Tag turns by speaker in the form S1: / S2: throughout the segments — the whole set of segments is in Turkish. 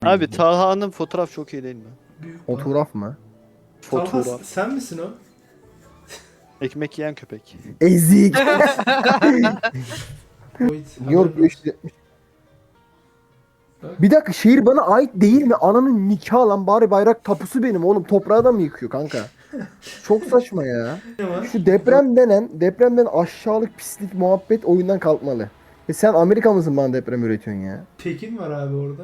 S1: Abi Talha'nın fotoğraf çok iyi değil mi?
S2: Büyük bak.
S3: Fotoğraf mı?
S2: Talha
S1: Fotoğraf.
S2: sen misin o?
S1: Ekmek yiyen köpek.
S3: Ezik.
S2: Boyd.
S3: New York
S2: haberin olsun.
S3: 570.
S2: Bak.
S3: Bir dakika, şehir bana ait değil mi? Ananın nikahı lan, bari bayrak tapusu benim oğlum. Toprağı da mı yıkıyor kanka? Çok saçma ya.
S2: Ne var?
S3: Şu depremden aşağılık pislik muhabbet oyundan kalkmalı. Sen Amerika mısın bana deprem üretiyorsun ya?
S2: Pekin var abi orada.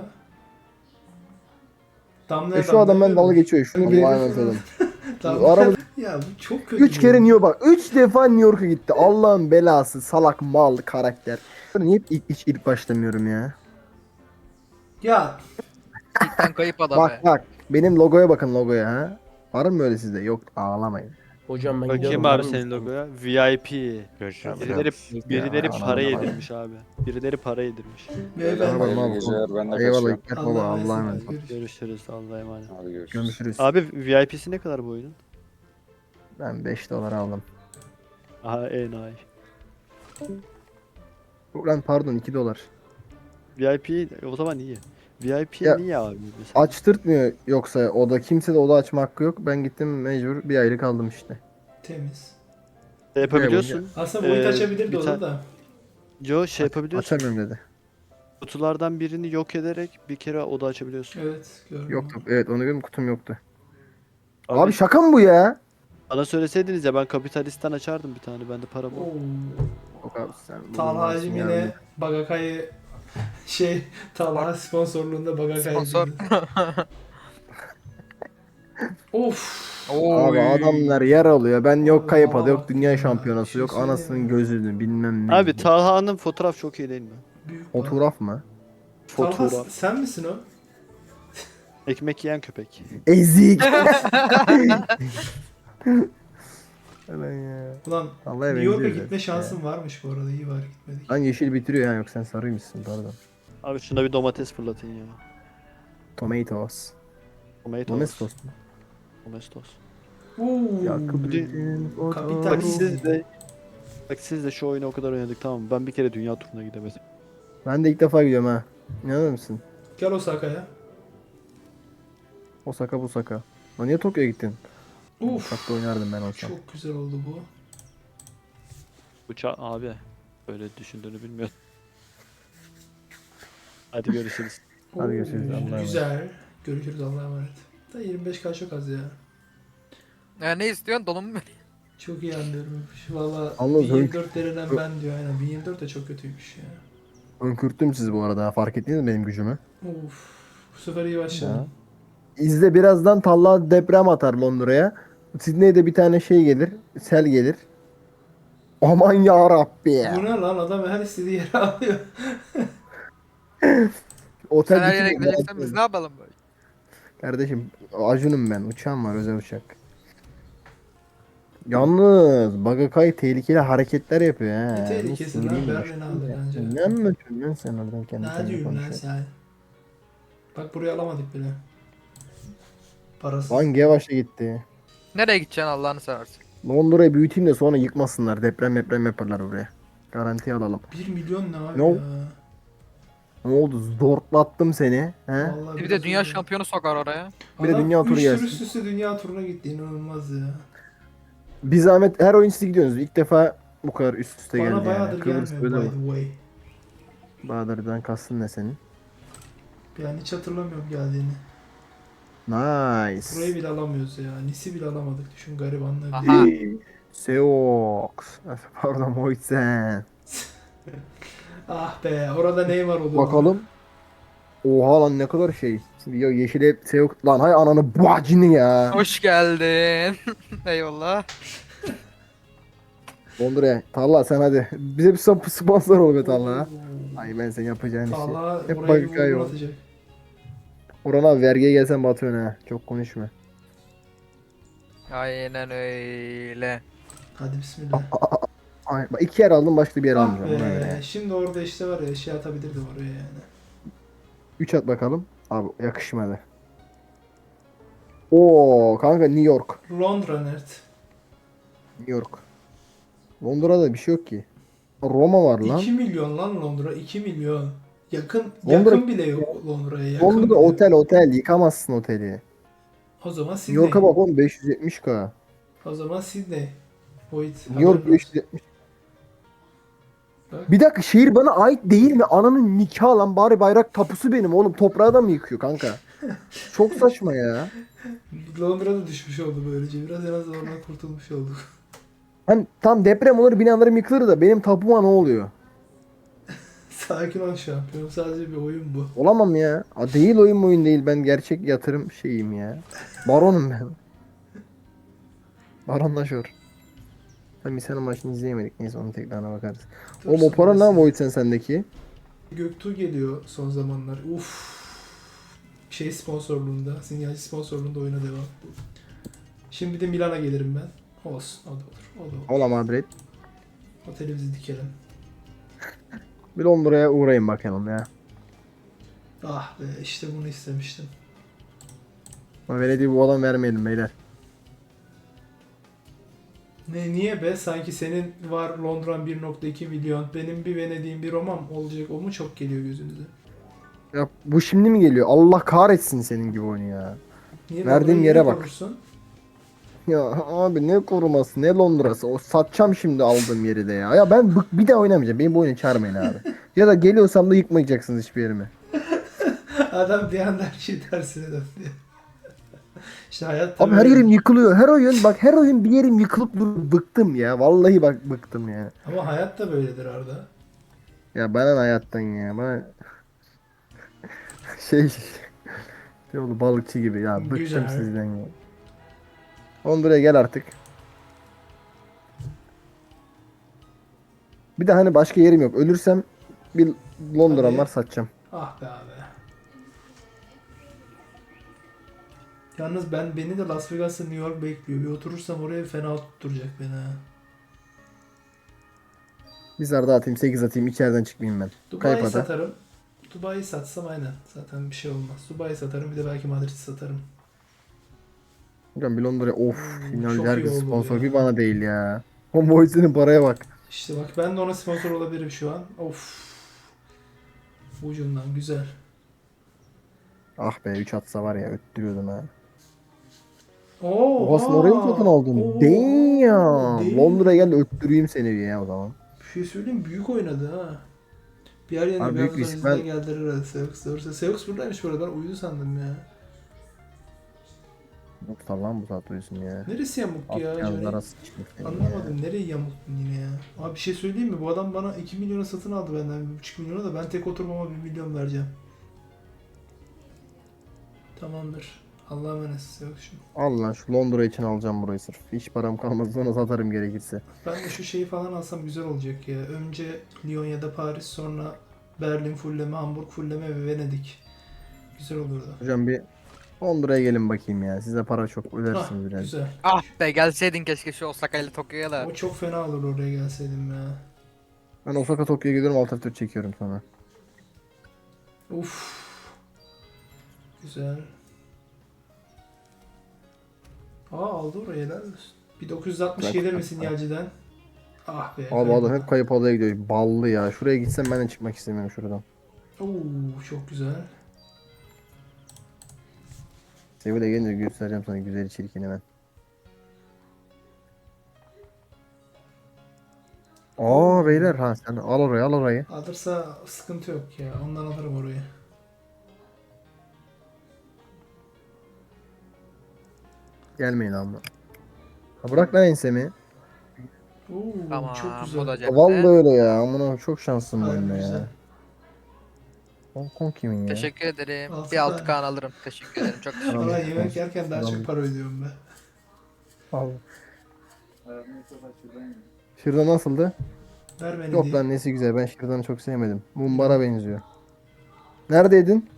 S2: Damlaya
S3: Şu adam ben
S2: damlaya
S3: dalga
S2: verir.
S3: geçiyor. Şunu bir
S2: Allah'a
S3: anlatalım.
S2: Damla-
S3: Aramızda
S2: Ya bu çok kötü.
S3: 3 kere New York bak. 3 defa New York'a gitti. Allah'ın belası. Salak mal karakter. Niye ilk başlamıyorum ya?
S2: Ya
S4: İlkten kayıp adam
S3: Bak
S4: be.
S3: bak. Benim logoya bakın, logoya ha. Var mı öyle sizde? Yok, ağlamayın.
S5: Hocam ben
S1: Bakayım
S5: gidiyorum.
S1: abi
S5: var mı
S1: senin
S5: isteğin?
S1: logoya. VIP.
S6: Görüşürüz.
S1: Birileri
S3: Ya,
S1: para
S3: anam.
S1: yedirmiş abi. Birileri para yedirmiş.
S2: beyefendi.
S3: Hayırlı
S6: Hayırlı geceler, ben de
S3: Eyvallah
S6: kaçıyorum.
S3: Hikmet
S2: Allah'a
S3: baba,
S2: emanet
S3: Allah'a
S2: olun.
S3: emanet.
S2: Görüşürüz.
S1: Görüşürüz. Allah'a emanet.
S6: Hadi görüşürüz.
S3: Görüşürüz.
S1: Abi VIP'si ne kadar bu oyunun?
S3: Ben 5 dolar aldım.
S1: Aha enayi.
S3: Lan pardon, 2 dolar.
S1: VIP o zaman iyi. VIP
S3: Ya,
S1: niye abi mesela?
S3: Açtırtmıyor yoksa oda. Kimse de oda açma hakkı yok. Ben gittim mecbur bir aylık aldım işte.
S2: Temiz.
S1: Yapabiliyorsun.
S2: Aslında Boyd açabilirdi
S1: bir
S2: onu
S1: tane-
S2: da.
S1: Yo şey yapabiliyorsun.
S3: Açamıyorum dedi.
S1: Kutulardan birini yok ederek bir kere oda açabiliyorsun.
S2: Evet gördüm.
S3: Yoktu. Evet, onu gördüm, kutum yoktu.
S1: Abi,
S3: Abi şaka mı bu ya?
S1: bana söyleseydiniz ya ben kapitalistten açardım bir tane. Bende para bol.
S2: Oo.
S3: Yok abi, sen
S2: Talha'cım
S3: bulunmazsın
S2: yine
S3: ya.
S2: Bagakay'ı Talha sponsorluğunda Bagakay'ı
S4: Sponsor.
S2: Of.
S3: Abi adamlar yer alıyor. Ben yok
S2: Abi
S3: kayıp
S2: bana
S3: adı, yok
S2: bak
S3: dünya
S2: ya,
S3: şampiyonası,
S2: bir şey
S3: yok
S2: söyleyeyim
S3: anasının
S2: mi?
S3: gözünü bilmem ne.
S1: Abi Talha'nın fotoğraf çok iyi değil mi?
S2: Büyük bak.
S3: Fotoğraf mı?
S2: Talha
S1: Fotoğraf.
S2: sen misin o?
S1: Ekmek yiyen köpek.
S3: Ezik. Ulan ya.
S2: Ulan
S3: Vallahi
S2: New York'a
S3: benziyor
S2: gitme
S3: biraz.
S2: şansın varmış bu arada. İyi var gitmedik.
S3: Lan yeşil bitiriyor ya, yok sen sarıymışsın, pardon.
S1: Abi şuna bir domates fırlatın ya.
S3: Tomatoes.
S1: Tomatoes.
S3: Domestos mu?
S1: Domestos.
S2: Oo.
S3: Yakıbettin
S2: Kapital.
S1: Bak siz de şu oyunu o kadar oynadık tamam mı? Ben bir kere dünya turuna gidemedim.
S3: Ben de ilk defa gidiyorum ha. İnanır mısın?
S2: Gel Osaka'ya.
S3: Osaka Busaka. Lan niye Tokyo'ya gittin?
S2: Uf.
S3: Uçakta oynardım ben olsam.
S2: Çok güzel oldu bu.
S1: Uça abi. Böyle düşündüğünü bilmiyordum. Hadi görüşürüz.
S3: Hadi görüşürüz, Allah'a emanet.
S2: Güzel. Görüşürüz Allah'a emanet. Da 25k çok az ya.
S4: Ya ne istiyorsun? Donum mu?
S2: Çok iyi anlıyorum. Valla
S3: Anladım.
S2: 1024 denilen ben diyor aynen. 1024 de çok kötüymüş ya.
S3: Önkürttüm sizi bu arada. Fark ettiniz mi benim gücümü?
S2: Of. Bu sefer iyi başladın.
S3: İzle, birazdan Talha deprem atar Londra'ya. Sydney'de bir tane şey gelir. Sel gelir. Aman ya Rabbi.
S2: Bu ne lan, adam her istediği yere alıyor.
S3: Otel
S4: Sen her yere
S3: bütün-
S4: gideceksen biz ne yapalım böyle?
S3: Kardeşim Acun'um ben. Uçağım var, özel uçak. Yalnız Bagakay tehlikeli hareketler yapıyor ha.
S2: Ne tehlikesi lan,
S3: Nasıl
S2: Berlin'i aldı bence.
S3: Ne anlatıyorsun lan sen oradan kendi
S2: Ne
S3: kendine
S2: diyorsun lan
S3: konuşuyorsun?
S2: sen? Bak burayı alamadık bile. Parasız.
S3: Hangi yavaşla gitti?
S4: Nereye gideceksin Allah'ını seversen?
S3: Londra'yı büyüteyim de sonra yıkmasınlar. Deprem yaparlar buraya. Garanti alalım.
S2: 1 milyon ne abi
S3: Ne
S2: ya?
S3: oldu? Ne oldu? Zorlattım seni. He?
S2: Vallahi
S4: Bir
S2: biraz
S4: de dünya
S2: öyle.
S4: şampiyonu sokar oraya.
S3: Bir de
S2: Adam
S3: dünya turu
S2: üç
S3: gelsin.
S2: üst üste dünya turuna gitti, inanılmaz ya.
S3: Bir zahmet her oyun siz gidiyorsunuz. İlk defa bu kadar üst üste
S2: Bana
S3: geldi yani.
S2: bayağıdır
S3: Kıbrıs
S2: gelmiyor
S3: böyle
S2: by
S3: mi?
S2: the way.
S3: Bahadır'dan kastın ne senin?
S2: Yani hiç hatırlamıyorum geldiğini.
S3: Nice.
S2: Burayı bile alamıyoruz ya. Nis'i bile alamadık, düşün garibanlar.
S4: Aha.
S3: Seox. Pardon Moitsen.
S2: Ah be, orada Neymar olur.
S3: Bakalım. Oha lan, ne kadar şey. Ya yeşile Seox. Lan hay ananı bacını ya.
S4: Hoş geldin. Eyvallah.
S3: Londra'ya. Talha sen hadi. Bize bir sponsor ol be Talha. Ay ben sen yapacağın işi.
S2: Talha
S3: Hep
S2: buraya bir
S3: Bagakay
S2: vurgun
S3: ol.
S2: atacak.
S3: Orhan abi vergiye gelsen batıyorsun ha. Çok konuşma.
S4: Aynen öyle.
S2: Hadi bismillah.
S3: Ay, bak 2 yer aldım, başka bir yer
S2: Ah
S3: almayacağım. Ona
S2: be,
S3: göre.
S2: şimdi orada işte var ya, şey atabilirdim oraya yani.
S3: 3 at bakalım. Abi yakışmadı. Oo kanka, New York.
S2: Londra Nert.
S3: New York. Londra'da bir şey yok ki. Roma var lan.
S2: 2 milyon lan Londra, 2 milyon. Yakın
S3: Londra-
S2: yakın bile yok Londra'ya. Yakın
S3: Londra
S2: bile yok.
S3: otel yıkamazsın oteli.
S2: O zaman
S3: New
S2: Sydney.
S3: York'a bak oğlum 570k.
S2: O zaman Sydney. Boyd
S3: New York
S2: haberin olsun.
S3: 570.
S2: Bak.
S3: Bir dakika şehir bana ait değil mi? Ananın nikahı lan bari bayrak tapusu benim oğlum. Toprağı da mı yıkıyor kanka? Çok saçma ya.
S2: Londra'da düşmüş oldu böylece. Biraz en azından ondan kurtulmuş olduk.
S3: Hani tam deprem olur binalarım yıkılır da benim tapuma ne oluyor?
S2: Sakin ol şampiyon. Sadece bir oyun bu.
S3: Olamam ya. Değil oyun değil. Ben gerçek yatırım şeyim ya. Baronum ben. Baronlaşıyor. Tabii sen maçını izleyemedik. Neyse onun tekrarına bakarız. Oğlum o para ne Void sendeki?
S2: Göktuğ geliyor son zamanlar. Uf. Şey sponsorluğunda, sinyalci sponsorluğunda oyuna devam. Şimdi de Milan'a gelirim ben. Olsun, o da olur. O da olur.
S3: Ola Madrid.
S2: Otelimizi dikelim.
S3: Bir Londra'ya uğrayın bakalım ya.
S2: Ah be, işte bunu istemiştim.
S3: Ama verediği bu adam vermeyelim beyler.
S2: Niye be? Sanki senin var Londra'n 1.2 milyon, benim bir Venedik'im bir Roma'm olacak. O mu çok geliyor gözünüze?
S3: Ya bu şimdi mi geliyor? Allah kahretsin senin gibi oyunu ya.
S2: Niye
S3: Verdiğim
S2: Londra'yı
S3: yere
S2: niye
S3: bak.
S2: korursun?
S3: Ya abi ne koruması ne Londra'sı. O satacağım şimdi aldığım yeri de ya. Ya ben bir daha oynamayacağım. Benim bu oyunu çağırmayın abi. Ya da geliyorsam da yıkmayacaksınız hiçbir yerimi.
S2: Adam bir anda her şey tersine döndü. İşte hayat da
S3: Abi her
S2: böyle.
S3: yerim yıkılıyor. Her oyun bak her oyun bir yerim yıkılıp dur. Bıktım ya. Vallahi bak bıktım ya.
S2: Ama hayat da böyledir Arda.
S3: Ya bana ne hayattan ya. Bana şey oldu balıkçı gibi ya. Bıktım
S2: Güzel.
S3: sizden ya. Londra'ya gel artık. Bir de hani başka yerim yok. Ölürsem bir Londra'm
S2: Hadi.
S3: var satacağım.
S2: Ah be abi. Yalnız beni de Las Vegas'ta New York bekliyor. Bir oturursam oraya fena tutturacak beni ha.
S3: Bir zar daha atayım 8 atayım içeriden çıkmayayım ben.
S2: Dubai'yi
S3: Kayıp ada.
S2: satarım. Dubai'yi satsam aynen. Zaten bir şey olmaz. Dubai'yi satarım, bir de belki Madrid'i satarım.
S3: Hocam bir Londra'ya of. Final
S2: çok iyi
S3: herkes
S2: oldu
S3: sponsor
S2: ya.
S3: bir bana değil ya. O Boys'un paraya bak.
S2: İşte bak, ben de ona sponsor olabilirim şu an. Of. Ucundan güzel.
S3: Ah be 3 atsa var ya öttürüyordum ha.
S2: Oo,
S3: Oha sen orayı mı satın aldın?
S2: Oo,
S3: Damn.
S2: damn.
S3: Londra'ya gel de öttüreyim seni bir ya o zaman.
S2: Bir şey söyleyeyim, büyük oynadı ha. Bir yer yerine
S3: Abi
S2: bir
S3: büyük
S2: hafızan
S3: risk.
S2: izine
S3: Ben
S2: geldiler herhalde Seux. Doğrusu Seux buradaymış bu arada, ben uyudu sandım ya.
S3: Yoksa lan bu saat uyusun ya.
S2: Neresi yamuk ya Johnny?
S3: Afganlara sıçmış seni ya.
S2: Anlamadım, nereyi yamuktun yine ya. Abi bir şey söyleyeyim mi? Bu adam bana 2 milyona satın aldı benden, 1,5 milyona da ben tek oturmama 1 milyon vereceğim. Tamamdır. Allah'a emanet Seux'cum.
S3: Al lan şu Londra için alacağım burayı sırf. Hiç param kalmaz sonra satarım gerekirse.
S2: Ben de şu şeyi falan alsam güzel olacak ya. Önce Lyon ya da Paris, sonra Berlin fulleme, Hamburg fulleme ve Venedik. Güzel olurdu.
S3: Hocam bir Londra'ya gelin bakayım ya. Size para çok
S2: Ah,
S3: ödersiniz biraz.
S2: güzel.
S4: Ah be gelseydin keşke şu Osaka ile Tokyo'ya da.
S2: O çok fena olur oraya gelseydim ya.
S3: Ben Osaka Tokyo'ya gidiyorum alt F4 çekiyorum sonra.
S2: Uf. Güzel. Aldı oraya, helal olsun. Bir 960
S3: Bırak,
S2: gelir mi
S3: bırak.
S2: sinyalciden? Ah be.
S3: Abi adam hep kayıp adaya gidiyor. Ballı ya. Şuraya gitsem ben de çıkmak istemiyorum şuradan.
S2: Oo, çok güzel.
S3: Sevil'e gelince göstereceğim sana güzeli çirkini ben. Beyler ha sen al orayı al orayı.
S2: Alırsa sıkıntı yok ya. Ondan alırım orayı.
S3: Gelmeyin amma. Ha bırak lan ensemi.
S2: Oo,
S4: Tamam
S2: çok
S4: bu
S2: güzel.
S4: da cepte.
S3: Vallahi öyle ya. Amına çok şanslıyım bu
S2: Harbi
S3: oyunda
S2: güzel.
S3: ya. Hong Kong kimin ya?
S4: Teşekkür ederim.
S2: Altı
S4: Bir 6
S2: tane.
S4: kan alırım. Teşekkür ederim. Çok teşekkür
S3: Tamam.
S2: Valla
S4: ederim.
S2: yemek yerken daha
S3: Tamam.
S2: çok para ödüyorum ben.
S3: Al. Şırdan nasıldı?
S2: Ver beni
S3: Yok
S2: diye.
S3: lan nesi güzel. Ben şırdanı çok sevmedim. Mumbara benziyor. Neredeydin?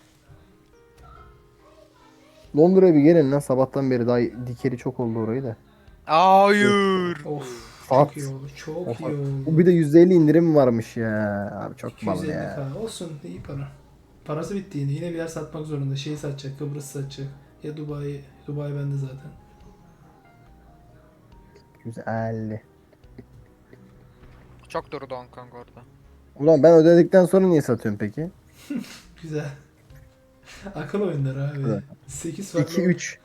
S3: Londra'ya bir gelin lan. Sabahtan beri daha dikeri çok oldu orayı da.
S4: Hayır.
S2: Of,
S3: Saat.
S2: çok iyi oldu. Çok
S3: Of,
S2: iyi oldu.
S3: Bu bir de %50 indirim varmış ya. Abi çok bal
S2: 250
S3: ya.
S2: falan. Olsun, iyi para. Parası bitti yine. Yine bir yer satmak zorunda. Şeyi satacak, Kıbrıs satacak. Ya Dubai. Dubai bende zaten.
S3: Güzel.
S4: Çok durdu Hong Kong orada.
S3: Ulan ben ödedikten sonra niye satıyorum peki?
S2: Güzel. Akıl oyunları abi.
S3: Evet.
S2: 8 farklı
S3: 2 3.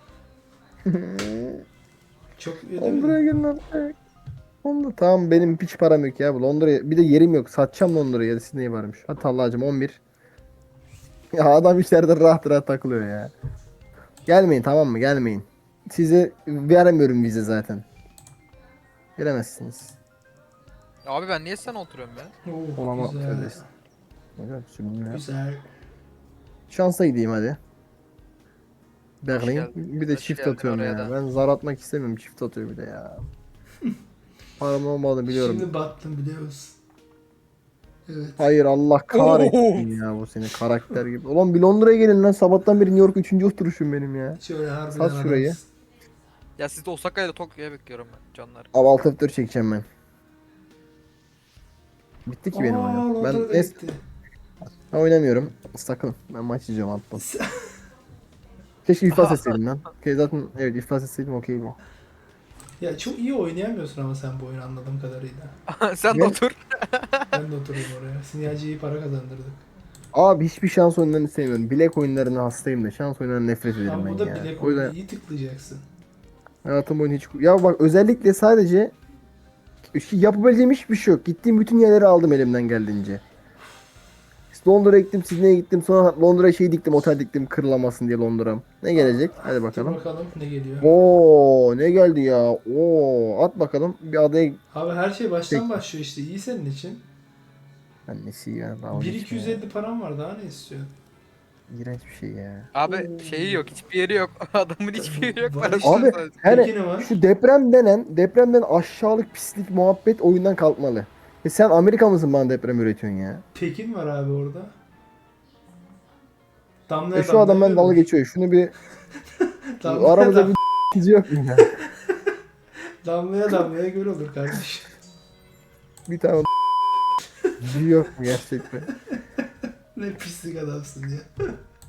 S2: Çok
S3: Londra'ya
S2: ödemedim.
S3: gelin artık. Londra tamam benim hiç param yok ya bu Londra'ya. Bir de yerim yok. Satacağım Londra'ya. Sydney'i varmış. Hadi Allah'cım 11. Ya adam içeride rahat rahat takılıyor ya. Gelmeyin tamam mı? Gelmeyin. Size veremiyorum vize zaten. Gelemezsiniz.
S4: Abi ben niye sen oturuyorum ya?
S3: Olamam
S2: Güzel.
S3: kardeş. Evet, şimdi ya.
S2: Güzel.
S3: Şansa gideyim hadi.
S4: Hoş
S3: Berlin.
S4: geldin.
S3: Bir de
S4: Hoş
S3: çift
S4: geldin
S3: atıyorum
S4: oraya
S3: ya.
S4: da.
S3: Ben zar atmak istemiyorum. Çift atıyor bir de ya. Param olmadığını biliyorum.
S2: Şimdi battım biliyor musun? Evet.
S3: Hayır Allah kahretsin ya bu seni karakter gibi. Ulan bir Londra'ya gelin lan. Sabahtan beri New York 3. oturuşum benim ya.
S2: Şöyle harbiden
S3: Sat şurayı.
S2: adamsın.
S4: Ya siz de Osaka ile Tokyo'ya bekliyorum ben canlar.
S3: Abi alt F4 çekeceğim ben. Bitti ki benim
S2: Aa,
S3: oyun. Ben
S2: Londra'da
S3: es
S2: gitti.
S3: ben oynamıyorum. Sakın. Ben maç izliyorum alttan. Keşke iflas etseydim lan. Zaten evet iflas etseydim okey bu.
S2: Ya çok iyi oynayamıyorsun ama sen bu oyunu anladığım kadarıyla.
S4: Sen de
S3: Ne?
S4: otur.
S2: Ben de oturayım oraya. Sinyalci iyi para kazandırdık.
S3: Abi hiçbir şans oyunlarını sevmiyorum. Bilek oyunlarına hastayım da şans oyunlarına nefret ederim
S2: Ama
S3: ben
S2: bu da
S3: ya.
S2: bilek
S3: O yüzden
S2: oyunu. İyi tıklayacaksın.
S3: hayatım boyunca hiç... Ya bak özellikle sadece yapabileceğim hiçbir şey yok. Gittiğim bütün yerleri aldım elimden geldiğince. İşte Londra'ya gittim, Sydney'e gittim. Sonra Londra'ya şey diktim, otel diktim kırılamasın diye Londra'm. Ne gelecek? Hadi
S2: Dur
S3: bakalım.
S2: bakalım ne geliyor.
S3: Oo ne geldi ya? Oo at bakalım. Bir adaya...
S2: Abi her şey baştan
S3: Peki.
S2: başlıyor işte. İyi senin için.
S3: Annesi ya. Dalga geçme ya.
S2: 1250 param var daha ne istiyorsun?
S3: İğrenç bir şey ya.
S4: Abi şeyi yok, hiçbir yeri yok. Adamın hiçbir yeri yok.
S2: Var
S4: Parası
S2: işte.
S4: var
S3: Abi
S4: sadece.
S3: hani
S2: Peki ne var?
S3: şu depremden aşağılık pislik muhabbet oyundan kalkmalı. Sen Amerika mısın bana deprem üretiyorsun ya?
S2: Pekin var abi orada. Damlaya
S3: Şu adam ben dalga
S2: görülür.
S3: geçiyor. Şunu bir
S2: Damlaya,
S3: aramızda bir ikinci yok mu ya?
S2: damlaya göl olur kardeşim.
S3: Bir tane yok mu gerçekten?
S2: Ne pislik adamsın ya.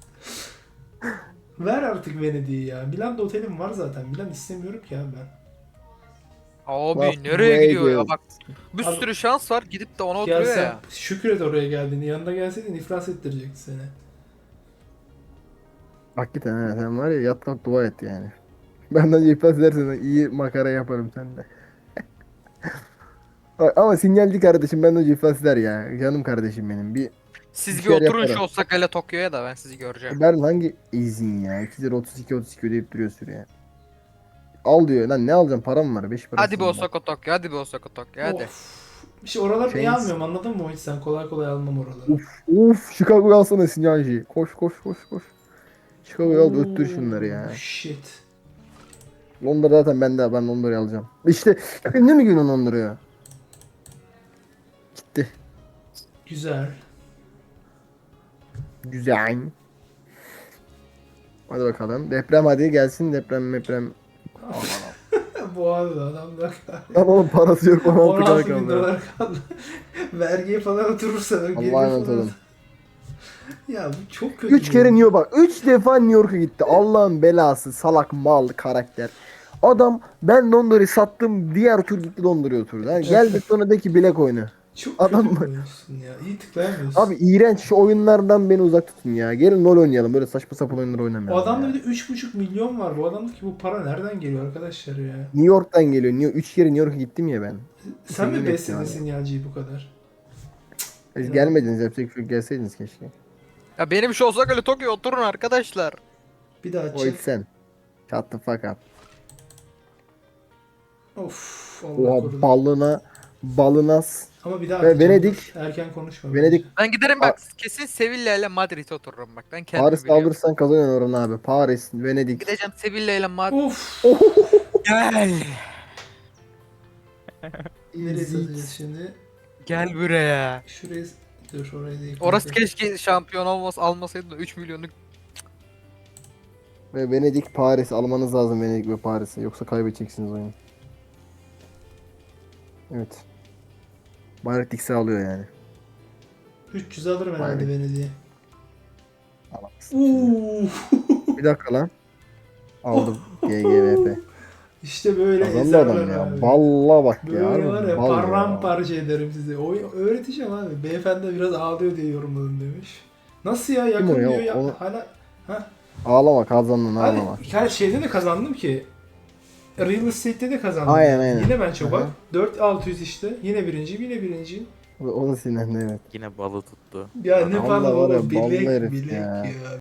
S2: Ver artık Venedik'i ya. Milan'da otelim var zaten. Milan istemiyorum ki abi ben.
S4: Abi
S3: Laf
S4: nereye
S3: buraya
S4: gidiyor ya
S3: gel.
S4: bak. Bir
S2: Abi-
S4: sürü şans var gidip de ona
S2: Ya
S4: oturuyor
S2: sen
S4: ya.
S2: şükret oraya geldiğini. Yanına gelseydin iflas ettirecekti seni.
S3: Hakikaten ha, sen var ya yat kalk dua et yani. Benden iflas edersen iyi makara yaparım sende. Ama sinyalci kardeşim benden önce iflas eder ya. Canım kardeşim benim. Bir
S4: Siz bir
S3: şeyler
S4: oturun şu
S3: yaparım.
S4: Osaka ile Tokyo'ya da ben sizi göreceğim.
S3: Ben hangi izin ya? 2 lira 32 ödeyip duruyor süreye. Al diyor. Lan ne alacağım? Param var. 5 parası.
S4: Hadi bir Osaka Tokyo, hadi bir Osaka Tokyo hadi.
S2: Of. İşte oraları niye
S3: Chains.
S2: almıyorum anladın mı hiç sen? Kolay kolay almam oraları.
S3: Uf Chicago'yu alsana sinyalci. Koş koş koş koş. Chicago'yu al da öttür şunları ya.
S2: Shit.
S3: Londra zaten ben Londra'yı alacağım. İşte ne mi günün Londra'ya? Gitti.
S2: Güzel.
S3: Güzel. Hadi bakalım. Deprem hadi gelsin deprem.
S2: Bu abi adamda
S3: Lan oğlum parası yok 16 kadar
S2: 16 bin
S3: kaldı.
S2: dolar kaldı. Vergiye falan oturursa böyle geri
S3: Allah'a emanet
S2: falan-
S3: olun.
S2: Ya bu çok kötü.
S3: 3 kere New York bak. 3 defa New York'a gitti. Allah'ın belası salak mal karakter. Adam ben Londra'yı sattım diğer tur gitti Londra'ya oturdu. Yani geldi sonra de ki bilek oyunu.
S2: Çok
S3: Adam
S2: kötü
S3: mı?
S2: oyuncusun ya. İyi tıklayamıyorsun.
S3: Abi iğrenç şu oyunlardan beni uzak tutun ya. Gelin LoL oynayalım. Böyle saçma sapan oyunlar
S2: o
S3: oynamayalım
S2: adamda
S3: ya.
S2: bir de 3,5 milyon var. Bu adamdaki bu para nereden geliyor arkadaşlar ya?
S3: New York'tan geliyor. 3 kere New York'a gittim ya ben.
S2: Sen mi
S3: Yemin
S2: besledin
S3: yani.
S2: sinyalciyi bu kadar?
S3: Siz gelmediniz yapacak bir şey yok. Gelseydiniz keşke.
S4: Ya benim şu Osaka ile Tokyo'ya oturun arkadaşlar.
S2: Bir daha
S3: O
S2: çek.
S3: sen. Shut the fuck up.
S2: Of Allah
S3: Oha
S2: korudu.
S3: balınas.
S2: Ama bir daha
S3: Ve
S2: atacağım.
S3: Venedik-
S2: Erken konuşma.
S3: Venedik
S4: Ben giderim bak kesin Sevilla ile Madrid'e otururum bak. Ben kendimi
S3: Paris
S4: biliyorum.
S3: alırsan kazanıyorsun oranı abi. Paris, Venedik.
S4: Gideceğim Sevilla ile Madrid.
S2: Of.
S4: Gel.
S2: Nereye satacağız şimdi?
S4: Gel buraya.
S2: Şuraya... Dur oraya değil.
S4: Orası keşke şampiyon almasaydı da 3 milyonluk.
S3: Ve Venedik, Paris almanız lazım Venedik ve Paris'i. Yoksa kaybedeceksiniz oyunu. Evet. Bayrak Dix'i alıyor yani.
S2: 300 alırım herhalde
S3: Aynen.
S2: Venedik'i.
S3: Alamazsın.
S2: Uuu.
S3: Bir dakika lan. Aldım. GGVP.
S2: İşte böyle
S3: Kazandı adam
S2: ezerler
S3: ya.
S2: abi.
S3: Valla bak ya.
S2: Böyle
S3: harbi
S2: var ya
S3: bal ya.
S2: paramparça ederim sizi. Öğreteceğim abi. Beyefendi biraz ağlıyor diye yorumladım demiş. Nasıl ya yakın
S3: Kim o ya?
S2: diyor ya.
S3: Onu-
S2: Hala ha.
S3: Ağlama kazandın ağlama.
S2: Abi her şeyde de kazandım ki. Real Estate'de de kazandım.
S3: Aynen, aynen.
S2: Yine ben çok bak.
S3: Aha.
S2: 4600 işte. Yine birinciyim, yine birinciyim.
S3: O da sinirli evet.
S5: Yine balı tuttu.
S2: Ya ne
S3: Vallahi
S2: falan
S3: var ya,
S2: oğlum
S3: ballı
S2: bilek
S3: herif
S2: bilek
S3: ya.
S2: ya.